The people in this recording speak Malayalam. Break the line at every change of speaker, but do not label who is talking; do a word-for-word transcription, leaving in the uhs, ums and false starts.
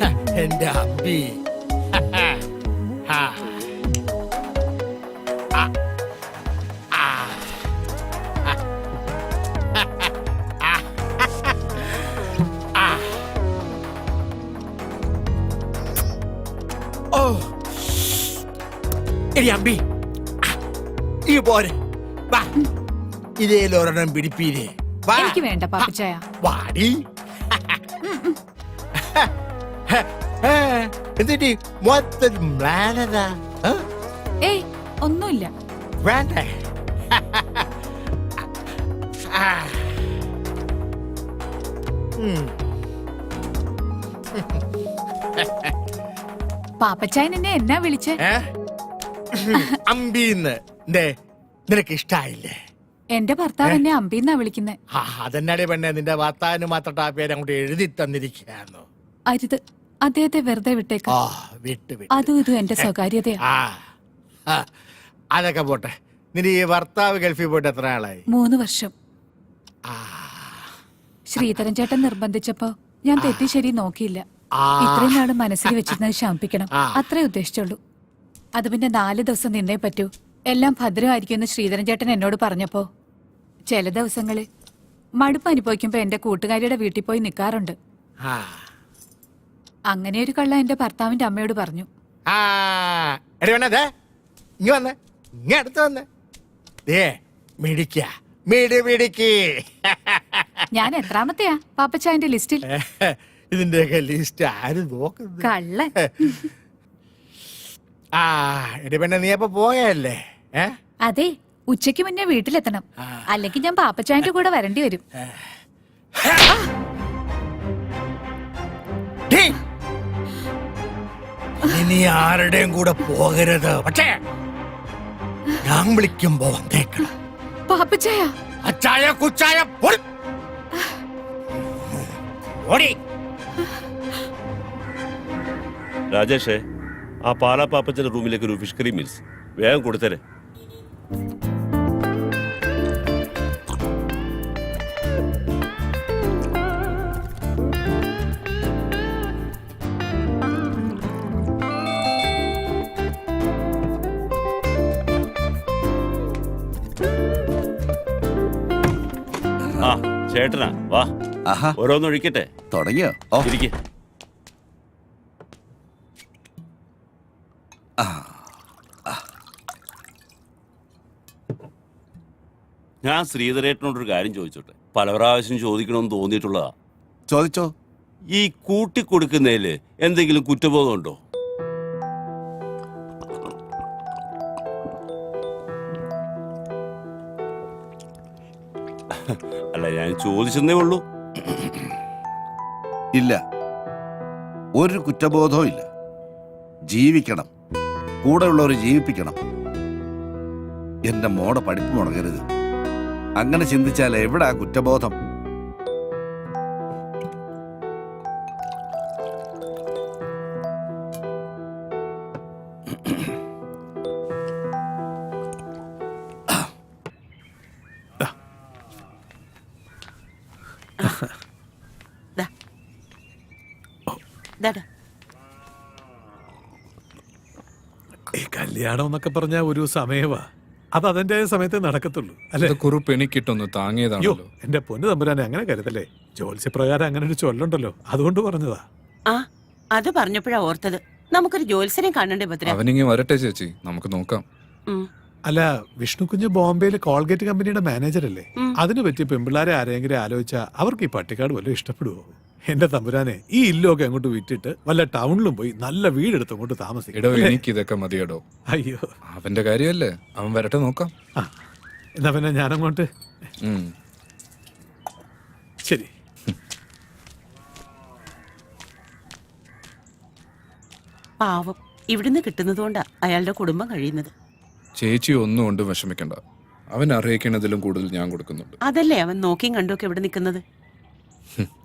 എന്റെ അമ്പി. ആ. ആ. ആ. ആ. ഓ എടി അമ്പി, ഈ പോരെ, വാ ഇതേലൊരെണ്ണം പിടിപ്പീരേ.
എനിക്ക് വേണ്ട പാപ്പച്ചായ.
വാടി. എന്നിട്ട് മൊത്തം മ്ലാനതാ.
ഏയ് ഒന്നുമില്ല.
വേണ്ട.
പാപ്പച്ചായൻ എന്നെ എന്നാ വിളിച്ചേ?
അമ്പീന്ന്. നിനക്ക് ഇഷ്ടായില്ലേ?
എന്റെ ഭർത്താവ് എന്നെ അമ്പീന്നാ വിളിക്കുന്നേ.
അതെന്നാടി പെണ്ണെ, നിന്റെ ഭർത്താവിന് മാത്രം ആ പേര് അങ്ങോട്ട് എഴുതി തന്നിരിക്കുകയായിരുന്നു.
അരുത്, അദ്ദേഹത്തെ വെറുതെ വിട്ടേക്കാം.
വിട്ട് വിട്ട്
അതും ഇതും എന്റെ സ്വകാര്യതയാ.
അതൊക്കെ പോട്ടെ. നിന്റെ ഈ ഭർത്താവ് ഗൾഫിൽ പോയിട്ട് എത്ര ആളായി?
മൂന്ന് വർഷം. ശ്രീധരൻ ചേട്ടൻ നിർബന്ധിച്ചപ്പോ ഞാൻ തെറ്റി ശരി നോക്കിയില്ല. ഇത്രയും നാള് മനസ്സിൽ വെച്ചിരുന്നത് ശമിപ്പിക്കണം, അത്രേ ഉദ്ദേശിച്ചുള്ളൂ. അത് പിന്നെ നാല് ദിവസം നിന്നേ പറ്റൂ, എല്ലാം ഭദ്രമായിരിക്കുമെന്ന് ശ്രീധരൻ ചേട്ടൻ എന്നോട് പറഞ്ഞപ്പോ ചില ദിവസങ്ങളിൽ മടുപ്പ് അനുഭവിക്കുമ്പോ എന്റെ കൂട്ടുകാരിയുടെ വീട്ടിൽ പോയി നിൽക്കാറുണ്ട്. അങ്ങനെ ഒരു കള്ള എന്റെ ഭർത്താവിന്റെ അമ്മയോട് പറഞ്ഞു. ഞാൻ എത്രാമത്തെയാ പാപ്പച്ചായന്റെ ലിസ്റ്റിൽ?
ഇതിന്റെയൊക്കെ ലിസ്റ്റ് ആരും നോക്കുന്നു?
കള്ള.
ആ എടി പെണ്ണെ, നീ അപ്പൊ പോയല്ലേ?
അതെ, ഉച്ചയ്ക്ക് മുന്നേ വീട്ടിലെത്തണം, അല്ലെങ്കിൽ ഞാൻ പാപ്പച്ചായന്റെ കൂടെ വരേണ്ടി വരും.
ഇനി ആരുടെയും കൂടെ പോകരുത്, പക്ഷേ ഞാൻ വിളിക്കുമ്പോ വന്നേക്കണം.
പാപ്പച്ചായ,
അച്ചായ കുച്ചായ ഓടി.
രാജേഷേ, ആ പാലാ പാപ്പച്ചന്റെ റൂമിലേക്ക് ഒരു ഫിഷ് കറി മീൽസ് വേഗം കൊടുത്തരെ. ആ ചേട്ടനാ, വാ ഓരോന്ന് ഒഴിക്കട്ടെ.
തുടങ്ങിയോ?
ഇരിക്കെ. ഞാൻ ശ്രീധരേട്ടനോടൊരു കാര്യം ചോദിച്ചോട്ടെ? പല പ്രാവശ്യം ചോദിക്കണമെന്ന് തോന്നിയിട്ടുള്ളതാ.
ചോദിച്ചോ.
ഈ കൂട്ടിക്കൊടുക്കുന്നതില് എന്തെങ്കിലും കുറ്റബോധമുണ്ടോ? അല്ല, ഞാൻ ചോദിച്ചെന്നേ ഉള്ളൂ.
ഇല്ല, ഒരു കുറ്റബോധവും ഇല്ല. ജീവിക്കണം, കൂടെ ഉള്ളവരെ ജീവിപ്പിക്കണം. എന്റെ മോടെ പഠിപ്പ് മുടങ്ങരുത്. അങ്ങനെ ചിന്തിച്ചാൽ എവിടാ കുറ്റബോധം?
ഈ കല്യാണം എന്നൊക്കെ പറഞ്ഞ ഒരു സമയവാ, അത് അതിന്റെ സമയത്ത് നടക്കത്തുള്ളൂ അല്ലെ?
കുറിപ്പ് എനിക്കിട്ടൊന്ന് താങ്ങിയതാണല്ലോ.
എന്റെ പൊന്നു തമ്പുരാനെ, അങ്ങനെ കരുതല്ലേ. ജോത്സ്യപ്രകാരം അങ്ങനെ ഒരു ചൊല്ലുണ്ടല്ലോ, അതുകൊണ്ട് പറഞ്ഞതാ.
ആ അത് പറഞ്ഞപ്പോഴാ ഓർത്തത്, നമുക്കൊരു ജോത്സ്യനെ കാണണ്ടേ ഭദ്ര?
അവനിങ്ങി വരട്ടെ ചേച്ചി, നമുക്ക് നോക്കാം.
അല്ല, വിഷ്ണു കുഞ്ഞ് ബോംബെയിലെ കോൾഗേറ്റ് കമ്പനിയുടെ മാനേജർ അല്ലേ? അതിന് പറ്റിയ പെമ്പിള്ളാരെ ആരെങ്കിലും ആലോചിച്ചാ അവർക്ക് ഈ പട്ടിക്കാട് വല്ലതും ഇഷ്ടപ്പെടുവോ? എന്റെ തമ്പുരാനെ, ഈ ഇല്ലൊക്കെ അങ്ങോട്ട് വിറ്റിട്ട് വല്ല ടൗണിലും പോയി നല്ല വീടെടുത്ത് അങ്ങോട്ട് താമസിക്കും.
എടോ, എനിക്ക് ഇതൊക്കെ മതിയടോ.
അയ്യോ,
അവന്റെ കാര്യമല്ലേ, അവൻ വരട്ടെ, നോക്കാം.
ആ എന്നാ പിന്നെ ഞാനങ്ങോട്ട്. ശരി.
പാവം, ഇവിടുന്ന് കിട്ടുന്നതുകൊണ്ടാ അയാളുടെ കുടുംബം കഴിയുന്നത്.
ചേച്ചി ഒന്നും കൊണ്ട് വിഷമിക്കണ്ട, അവൻ അറിയിക്കുന്നതിലും കൂടുതൽ ഞാൻ കൊടുക്കുന്നുണ്ട്.
അതല്ലേ അവൻ നോക്കിയും കണ്ടുമൊക്കെ ഇവിടെ നിൽക്കുന്നത്.